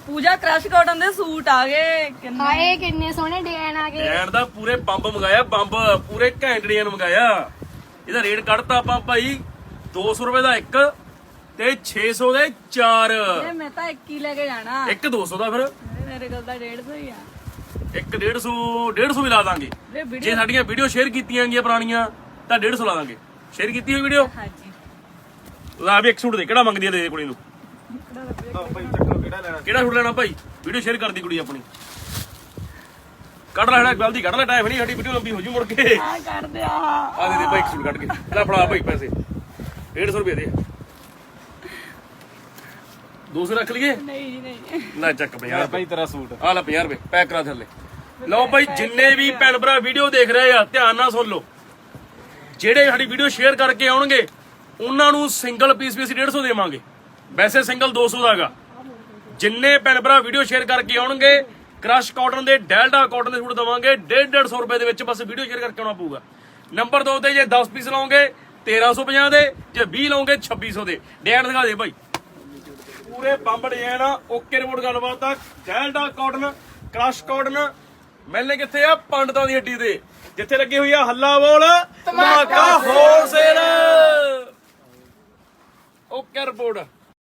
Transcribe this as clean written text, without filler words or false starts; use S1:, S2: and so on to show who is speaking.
S1: ਪੂਜਾ crush cotton ਦੇ suit ਆ ਗਏ
S2: ਹਾਏ ਕਿੰਨੇ ਸੋਹਣੇ ਡਿਜ਼ਾਈਨ ਆ ਗਏ।
S3: ਡਿਜ਼ਾਈਨ ਦਾ ਪੂਰੇ ਬੰਬ ਮੰਗਾਇਆ, ਬੰਬ ਪੂਰੇ ਘੈਂਟ ਡਿਜ਼ਾਈਨ ਮੰਗਾਇਆ। ਇਹਦਾ ਰੇਟ ਕੱਢਤਾ ਆਪਾਂ ਭਾਈ 200 ਰੁਪਏ ਦਾ ਇੱਕ ਤੇ 600 ਦੇ 4।
S1: ਮੈਂ ਤਾਂ ਇੱਕ ਹੀ ਲੈ ਕੇ ਜਾਣਾ।
S3: ਇੱਕ 200 ਦਾ ਫਿਰ
S1: ਮੇਰੇ ਕੋਲ ਤਾਂ 150 ਹੀ ਆ।
S3: ਇੱਕ 150 ਵੀ ਲਾ ਦਾਂਗੇ। ਜੇ ਸਾਡੀਆਂ ਵੀਡੀਓ ਸ਼ੇਅਰ ਕੀਤੀਆਂ ਗਈਆਂ ਪੁਰਾਣੀਆਂ ਤਾਂ 150 ਲਾ ਦਾਂਗੇ। ਸ਼ੇਅਰ ਕੀਤੀ ਹੋਈ ਵੀਡੀਓ
S1: ਹਾਂਜੀ
S3: ਲਾ ਵੀ ਇੱਕ ਸੂਟ ਦੇ। ਕਿਹੜਾ ਮੰਗਦੀ ਹੈ ਦੇ ਕੁੜੀ ਨੂੰ? ਕਿਹੜਾ ਸੂਟ ਲੈਣਾ ਭਾਈ? ਵੀਡੀਓ ਸ਼ੇਅਰ ਕਰਦੀ ਕੁੜੀ ਆਪਣੀ। ਕੱਢ ਲੈ ਜਲਦੀ ਕੱਢ ਲੈ, ਟਾਈਮ ਨਹੀਂ, ਸਾਡੀ ਵੀਡੀਓ ਲੰਬੀ ਹੋ ਜੂ ਮੁੜ ਕੇ।
S1: ਆ ਕਰ ਦੇ
S3: ਆ ਦੇ ਭਾਈ ਇੱਕ ਸੂਟ ਕੱਢ ਕੇ ਲੈ ਫੜਾ ਭਾਈ ਪੈਸੇ 150 ਰੁਪਏ ਦੇ। 200 ਰੱਖ ਲਈਏ?
S1: ਨਹੀਂ ਜੀ ਨਹੀਂ।
S3: ਲੈ ਚੱਕ 50
S4: ਭਾਈ ਤੇਰਾ ਸੂਟ
S3: ਆ ਲੈ 50 ਰੁਪਏ ਪੈਕ ਕਰਾ ਥੱਲੇ। ਲਓ ਭਾਈ ਜਿੰਨੇ ਵੀ ਭੈਣ ਭਰਾ ਵੀਡੀਓ ਦੇਖ ਰਹੇ ਆ ਧਿਆਨ ਨਾਲ ਸੁਣ ਲਓ। ਜਿਹੜੇ ਸਾਡੀ ਵੀਡੀਓ ਸ਼ੇਅਰ ਕਰਕੇ ਆਉਣਗੇ ਉਹਨਾਂ ਨੂੰ ਸਿੰਗਲ ਪੀਸ ਵੀ ਅਸੀਂ 150 ਦੇਵਾਂਗੇ। ਵੈਸੇ ਸਿੰਗਲ 200 ਦਾ ਹੈਗਾ। ਜਿੰਨੇ ਭੈਣ ਭਰਾ ਵੀਡੀਓ ਸ਼ੇਅਰ ਕਰਕੇ ਆਉਣਗੇ ਕ੍ਰਸ਼ ਕਾਟਨ ਦੇ ਡੈਲਟਾ ਕਾਟਨ ਦੇ ਸੂਟ ਦਵਾਂਗੇ 150 ਰੁਪਏ ਦੇ ਵਿੱਚ। ਬਸ ਵੀਡੀਓ ਸ਼ੇਅਰ ਕਰਕੇ ਆਉਣਾ ਪਊਗਾ। ਨੰਬਰ 2 ਤੇ ਜੇ 10 ਪੀਸ ਲਾਓਗੇ 1350 ਦੇ, ਜੇ 20 ਲਾਓਗੇ 2600 ਦੇ। ਡਿਜ਼ਾਈਨ ਦਿਖਾ ਦੇ ਭਾਈ ਪੂਰੇ ਬੰਬ ਡਿਜ਼ਾਈਨ ਆ। ਓਕੇ ਰਿਪੋਰਟ ਗੱਲਬਾਤ ਆ। ਡੈਲਟਾ ਕਾਟਨ ਕ੍ਰਸ਼ ਕਾਟਨ ਮਿਲਨੇ ਕਿੱਥੇ ਆ? ਪੰਡਤਾਂ ਦੀ ਹੱਡੀ ਤੇ, ਜਿੱਥੇ ਲੱਗੀ ਹੋਈ ਆ ਹੱਲਾ ਬੋਲ ਧਮਾਕਾ ਹੋਲਸੇਲ। Okay report.